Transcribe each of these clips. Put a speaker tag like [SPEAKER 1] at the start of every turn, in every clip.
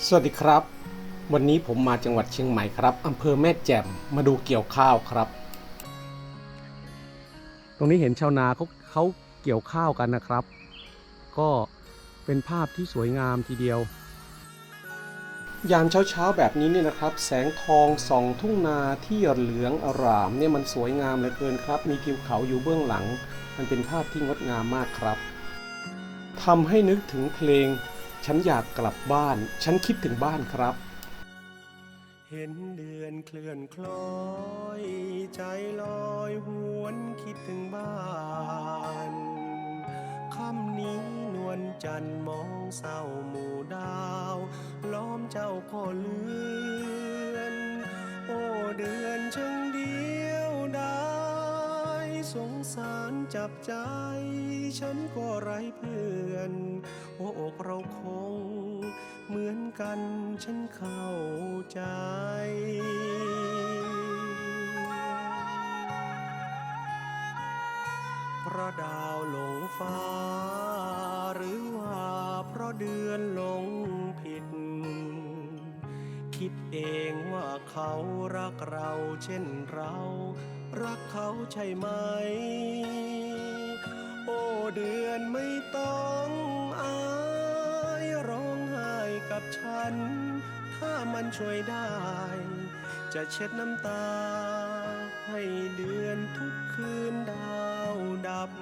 [SPEAKER 1] สวัสดีครับวันนี้ผมมาจังหวัดเชียงใหม่ครับอำเภอแม่แจ่มมาดูเกี่ยวข้าวครับตรงนี้เห็นชาวนาเขาเกี่ยวข้าวกันนะครับก็เป็นภาพที่สวยงามทีเดียวยามเช้าแบบนี้เนี่ยนะครับแสงทองส่องทุ่งนาที่เหลืองอร่ามเนี่ยมันสวยงามเหลือเกินครับมีทิวเขาอยู่เบื้องหลังมันเป็นภาพที่งดงามมากครับทำให้นึกถึงเพลงฉันอยากกลับบ้านฉันคิดถึงบ้านครับเห็นเดือนเคลื่อนคล้อยใจลอยหวนคิดถึงบ้านค่ำนี้นวลจันทร์มองเศร้าหมู่ดาวล้อมเจ้าก็เลือนโอ้เดือนช่างเดียวดายสงสารจับใจฉันก็ไร้เพื่อนหัวอกเราคงเหมือนกันฉันเข้าใจเพราะดาวหลงฟ้าหรือว่าเพราะเดือนหลงผิดคิดเองว่าเขารักเราเช่นเรารักเขาใช่ไหมโอ้เดือนไม่ต้องอายร้องไห้กับฉันถ้ามันช่วยได้จะเช็ดน้ำตาให้เดือนทุกคืนดาวดับ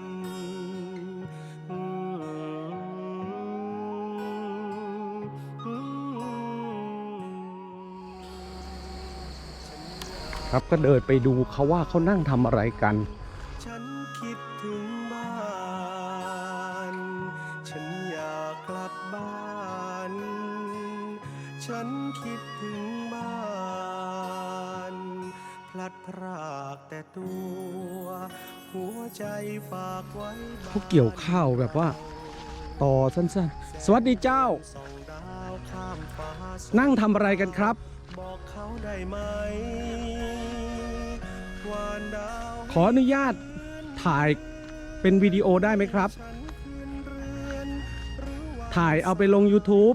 [SPEAKER 1] ครับก็เดินไปดูเขาว่าเขานั่งทำอะไรกันฉันคิดถึงบ้านฉันอยากกลับบ้านฉันคิดถึงบ้านพลัดพรากแต่ตัวหัวใจฝากไว้เขาเกี่ยวข้าวแบบว่าต่อสั้นๆสวัสดีเจ้านั่งทำอะไรกันครับบอกเขาได้ไหมขออนุญาตถ่ายเป็นวิดีโอได้ไหมครับถ่ายเอาไปลง YouTube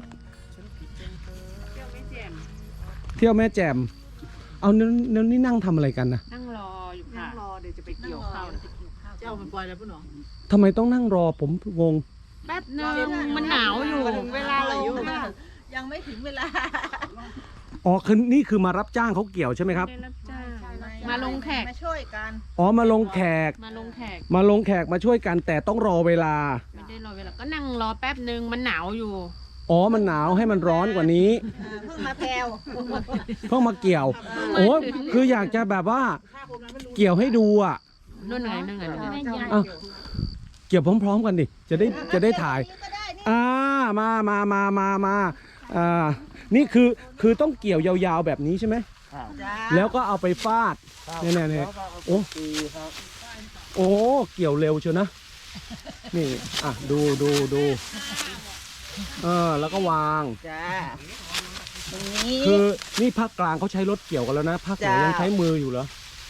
[SPEAKER 1] เที่ยวแม่แจ่มเอานี่นั่งทำอะไรกันนะ
[SPEAKER 2] นั่งรออยู่ค่ะนั่งรอเดี๋ยวจะไปเกี่ยวข้าวเจ้ามันปล่อยแล้วปุ๊บหนอ
[SPEAKER 1] ทำไมต้องนั่งรอผมงง
[SPEAKER 2] แป๊บนึงมันหนาวอยู่ถึงเวลาเราอยู่
[SPEAKER 3] ยังไม่ถึงเวลา
[SPEAKER 1] อ๋อคือนี่คือมารับจ้างเขาเกี่ยวใช่ไหมครับ
[SPEAKER 2] มาลงแขก
[SPEAKER 3] มาช่วยกัน
[SPEAKER 1] อ๋อมาลงแขก
[SPEAKER 2] มาลงแขก
[SPEAKER 1] มาช่วยกันแต่ต้องรอเวลา
[SPEAKER 2] ไม่ได้รอเวลาก็นั่งรอแป๊บนึงมันหนาวอยู่
[SPEAKER 1] อ๋อมันหนาวให้มันร้อนกว่านี้
[SPEAKER 3] เพิ่งมาแพลว
[SPEAKER 1] เพิ่งมาเกี่ยวโอ้คืออยากจะแบบว่าเกี่ยวให้ดูอ่ะ
[SPEAKER 2] นู่นไง
[SPEAKER 1] เกี่ยวพร้อมๆกันดิจะได้ถ่ายมานี่คือต้องเกี่ยวยาวๆแบบนี้ใช่ไหมแล้วก็เอาไปฟาดเนี่ยโอ้เกี่ยวเร็วเชียวนะนี่ดูแล้วก็วางคือนี่ภาคกลางเขาใช้รถเกี่ยวกันแล้วนะภาคเหนือยังใช้มืออยู่เหรอ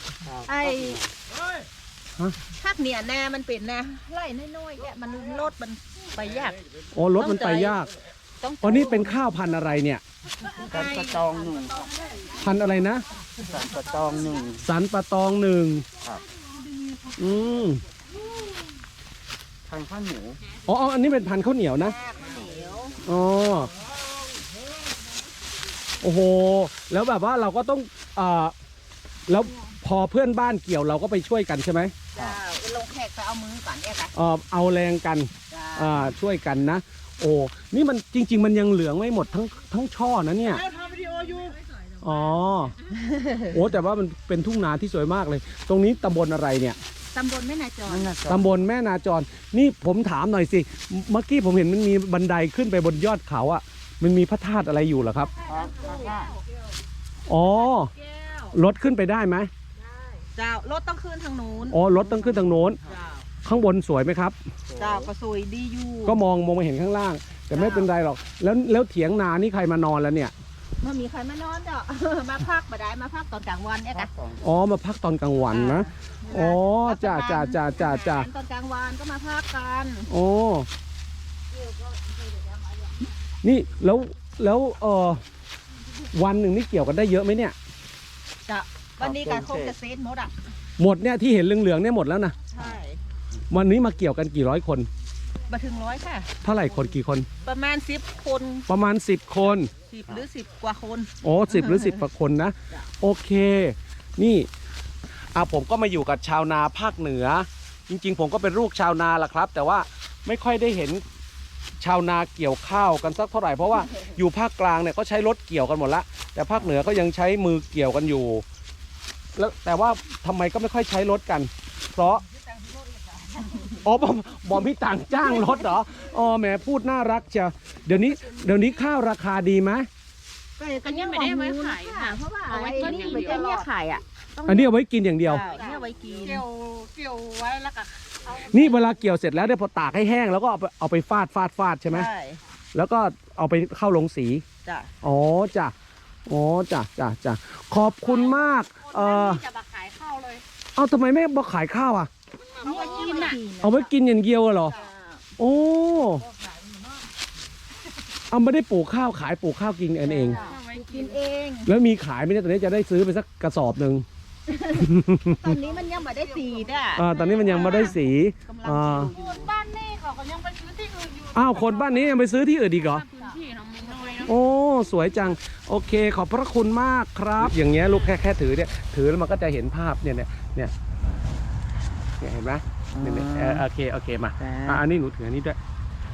[SPEAKER 3] ภาคเหนือแน่มันเป็นนะไล่น้อยๆแกมันรถมันไปยาก
[SPEAKER 1] อ๋อรถมันไปยากอ๋อนี่เป็นข้าวพันธุ์อะไรเนี่ย
[SPEAKER 4] สันปะตองหนึ่ง
[SPEAKER 1] พันธุ์อะไรนะ
[SPEAKER 4] สันปะตองหนึ่ง
[SPEAKER 1] สันปะตองหนึ่ง
[SPEAKER 4] ครับ
[SPEAKER 1] พันธุ์
[SPEAKER 4] ข้าวเหนียว
[SPEAKER 1] อ๋ออันนี้เป็นพันธุ์ข้าวเหนียวนะอ๋อโอ้โหแล้วแบบว่าเราก็ต้องแล้วพอเพื่อนบ้านเกี่ยวเราก็ไปช่วยกันใช่ไหม
[SPEAKER 3] ลงแขกไปเอามือก่อนเนี่ยค่ะ
[SPEAKER 1] เอาแรงกันช่วยกันนะโอ้นี่มันจริงๆมันยังเหลืองไม่หมดทั้งช่อนะเนี่ย
[SPEAKER 3] ทำวิดีโออยู่
[SPEAKER 1] อ๋อโอ้แต่ว่ามันเป็นทุ่งนาที่สวยมากเลยตรงนี้ตำบลอะไรเนี่ย
[SPEAKER 3] ตำบลแม่นาจร
[SPEAKER 1] ตำบลแม่นาจรนี่ผมถามหน่อยสิเมื่อกี้ผมเห็นมันมีบันไดขึ้นไปบนยอดเขาอ่ะมันมีพระธาตุอะไรอยู่เหรอครับอ๋อรถขึ้นไปได้ไหม
[SPEAKER 3] เจ้ารถต้องขึ้นทางโน้น
[SPEAKER 1] อ๋อรถต้องขึ้นทางโน้นข้างบนสวยไหมครับ
[SPEAKER 3] เจ้าก็สวยดีอยู่
[SPEAKER 1] ก็มองมาเห็นข้างล่างแต่ไม่เป็นไรหรอกแล้วเถียงนานี่ใครมานอนแล้วเนี่ย
[SPEAKER 3] ไม่มีใครมานอนเด้อมาพักบ่ได้มาพักตอนกลางวันเนี่ยค่ะ
[SPEAKER 1] อ๋อมาพักตอนกลางวันนะอ๋อจ้าต
[SPEAKER 3] อนกลางวันก็มาพักกัน
[SPEAKER 1] โอ้นี่แล้วแล้ววันหนึ่งนี่เกี่ยวกันได้เยอะไหมเนี่ย
[SPEAKER 3] จะวันนี้การคงจะเซนหมดอ่ะ
[SPEAKER 1] หมดเนี่ยที่เห็นเหลืองๆเนี่ยหมดแล้วนะ
[SPEAKER 3] ใช่
[SPEAKER 1] วันนี้มาเกี่ยวกันกี่ร้อยคน
[SPEAKER 3] มาถึงร้อยค่ะ
[SPEAKER 1] เท่าไหร่คนกี่คน
[SPEAKER 3] ประมาณ10 คน
[SPEAKER 1] ประมาณ10 คน
[SPEAKER 3] 10 หรือ 10 กว่าคน
[SPEAKER 1] โอ้10 หรือ 10กว่าคนนะ โอเค นี่ผมก็มาอยู่กับชาวนาภาคเหนือ จริงๆ ผมก็เป็นลูกชาวนาล่ะครับ แต่ว่าไม่ค่อยได้เห็นชาวนาเกี่ยวข้าวกันสักเท่าไหร่เพราะว่าอยู่ภาคกลางเนี่ยก็ใช้รถเกี่ยวกันหมดละแต่ภาคเหนือก็ยังใช้มือเกี่ยวกันอยู่แล้วแต่ว่าทำไมก็ไม่ค่อยใช้รถกัน เพราะบอมพี่ต่างจ้างรถเหรอแหมพูดน่ารักเชียวเดี๋ยวนี้ข้าวราคาดีไหม
[SPEAKER 2] อันนี้ไม่ได้ไว้ขายค่ะ
[SPEAKER 3] เพราะว่า
[SPEAKER 2] เอาไว้กินอย่างเดียว
[SPEAKER 3] ไม่ใช่เนี่ยขายอ่ะ
[SPEAKER 1] อันนี้เอาไว้กินอย่างเดียว
[SPEAKER 3] เนี่ยไว้กิน
[SPEAKER 2] เกี่ยวไว้แล้วก็เอา
[SPEAKER 1] นี่เวลาเกี่ยวเสร็จแล้วเนี่ยพอตากให้แห้งแล้วก็เอาไปฟาดใช่ไหม
[SPEAKER 3] ใช่
[SPEAKER 1] แล้วก็เอาไปเข้าลงสี
[SPEAKER 3] จ้ะ
[SPEAKER 1] อ๋อจ้ะขอบคุณมาก
[SPEAKER 2] จะมาขายข้าวเลย
[SPEAKER 1] เอาทำไมไม่มาขายข้าวอ่ะ
[SPEAKER 2] เอาไว้กินน่ะ
[SPEAKER 1] เอาไว้กินอย่างเดียวเหรอ โอ้เอาไม่ได้ปลูกข้าวขายปลูกข้าวกินกันเอง
[SPEAKER 2] เอาไว้กิ
[SPEAKER 3] กิ
[SPEAKER 2] น
[SPEAKER 3] นเอง
[SPEAKER 1] แล้วมีขายไหมเนี่ยตอนนี้จะได้ซื้อไปสักกระสอบหนึ่ง
[SPEAKER 3] ตอนนี้มันยังไม่ได้สีอ่ะ
[SPEAKER 1] ตอนนี้มันยังไม่ได้สี
[SPEAKER 3] กำลังสีอยู่
[SPEAKER 2] คนบ้านนี่เขาก็ยังไปซื้อที่อื่นอยู่
[SPEAKER 1] อ้าวคนบ้านนี้ยังไปซื้อที่อื่นอีกเหรอ
[SPEAKER 2] พื้นที่เรามีน้อยเนาะ
[SPEAKER 1] โอ้สวยจังโอเคขอบพระคุณมากครับ อย่างเงี้ยลูกแค่ถือเนี่ยถือแล้วมันก็จะเห็นภาพเนี่ยเห็นไหมเนี่ยโอเคมาอันนี้หนูถืออันนี้ด้วย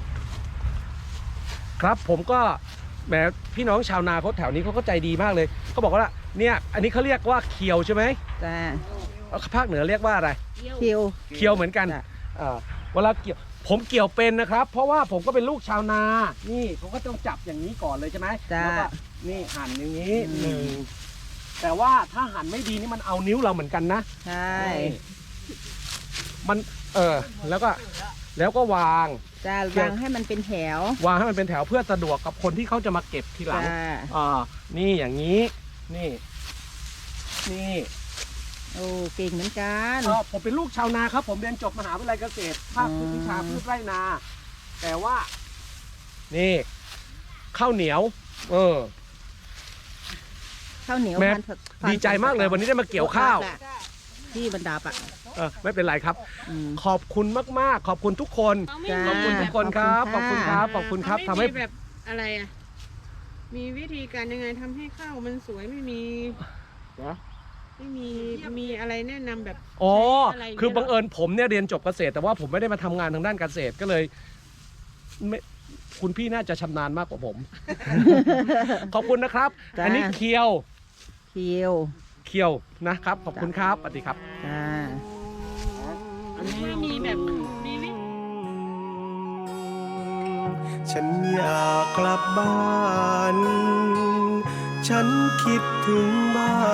[SPEAKER 1] ครับผมก็แหมพี่น้องชาวนาเขาแถวนี้เขาก็ใจดีมากเลยเขาบอกว่าเนี่ยอันนี้เขาเรียกว่าเคียวใช่ไหม
[SPEAKER 3] จ้า
[SPEAKER 1] ภาคเหนือเรียกว่าอะไร
[SPEAKER 3] คิว
[SPEAKER 1] เคียวเหมือนกัน
[SPEAKER 3] จ้ะ
[SPEAKER 1] เวลาเกี่ยวผมเกี่ยวเป็นนะครับ เพราะว่าผมก็เป็นลูกชาวนานี่ผมก็ต้องจับอย่างนี้ก่อนเลยใช่ไหม
[SPEAKER 3] จ้า
[SPEAKER 1] แล้วก็นี่หั่นอย่างนี้หนึ่งแต่ว่าถ้าหั่นไม่ดีนี่มันเอานิ้วเราเหมือนกันนะ
[SPEAKER 3] ใช่
[SPEAKER 1] มันแล้วก็วาง
[SPEAKER 3] จ้าวางให้มันเป็นแถว
[SPEAKER 1] วางให้มันเป็นแถวเพื่อสะดวกกับคนที่เขาจะมาเก็บทีหลัง
[SPEAKER 3] จ้า
[SPEAKER 1] นี่อย่างนี้นี่
[SPEAKER 3] โอ้เก่งเหมือนกัน
[SPEAKER 1] ผมเป็นลูกชาวนาครับ ผมเรียนจบมหาวิทยาลัยเกษตรภาควิชาพืชไร่นา แต่ว่า นี่ข้าวเหนียว
[SPEAKER 3] ข้าวเหนียว
[SPEAKER 1] แม่
[SPEAKER 3] พันธุ์
[SPEAKER 1] ดีใจมากเลยวันนี้ได้มาเกี่ยวข้าว
[SPEAKER 3] ที่บรรดาอ่ะ
[SPEAKER 1] ไม่เป็นไรครับ
[SPEAKER 3] อืม
[SPEAKER 1] ขอบคุณมากๆ ขอบคุณทุกคน
[SPEAKER 3] จ้า
[SPEAKER 1] ขอบคุณทุกคนครับขอบคุณครับขอบคุณครับ
[SPEAKER 2] เขา
[SPEAKER 1] ทำ
[SPEAKER 2] ไม่
[SPEAKER 1] ให้
[SPEAKER 2] มีแบบอะไรอ่ะ มีวิธีการยังไงทำให้ข้าวมันสวยไม่มีมีอะไรแนะนำแบบ
[SPEAKER 1] อ๋อ
[SPEAKER 2] ใช้อะไร
[SPEAKER 1] คือบังเอิญผมเนี่ยเรียนจบเกษตร แต่ว่าผมไม่ได้มาทำงานทางด้านเกษตรก็เลยไม่คุณพี่น่าจะชำนาญมากกว่าผม ขอบคุณนะครับ
[SPEAKER 3] จ้า
[SPEAKER 1] อันนี้เคียว
[SPEAKER 3] คิว
[SPEAKER 1] นะครับ ขอบคุณครับสวัสดีครับ
[SPEAKER 3] จ้า
[SPEAKER 2] ไม่มีแบบมีวิ
[SPEAKER 1] ฉันอยากกลับบ้าน ฉันคิดถึงบ้าน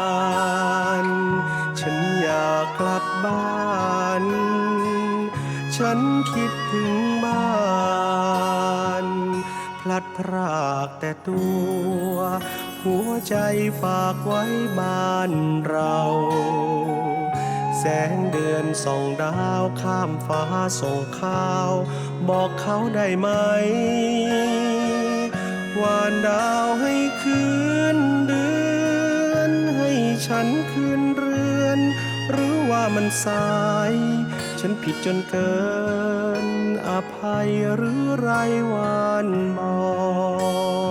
[SPEAKER 1] ฉันอยากกลับบ้าน ฉันคิดถึงบ้าน พลัดพรากแต่ตัว หัวใจฝากไว้บ้านเรา แสงเดือนส่องดาวข้ามฟ้าส่งข้าว บอกเขาได้ไหมวานดาวให้คืนเดือนให้ฉันคืนเรือน หรือว่ามันสาย ฉันผิดจนเกินอภัยหรือไรวานบอก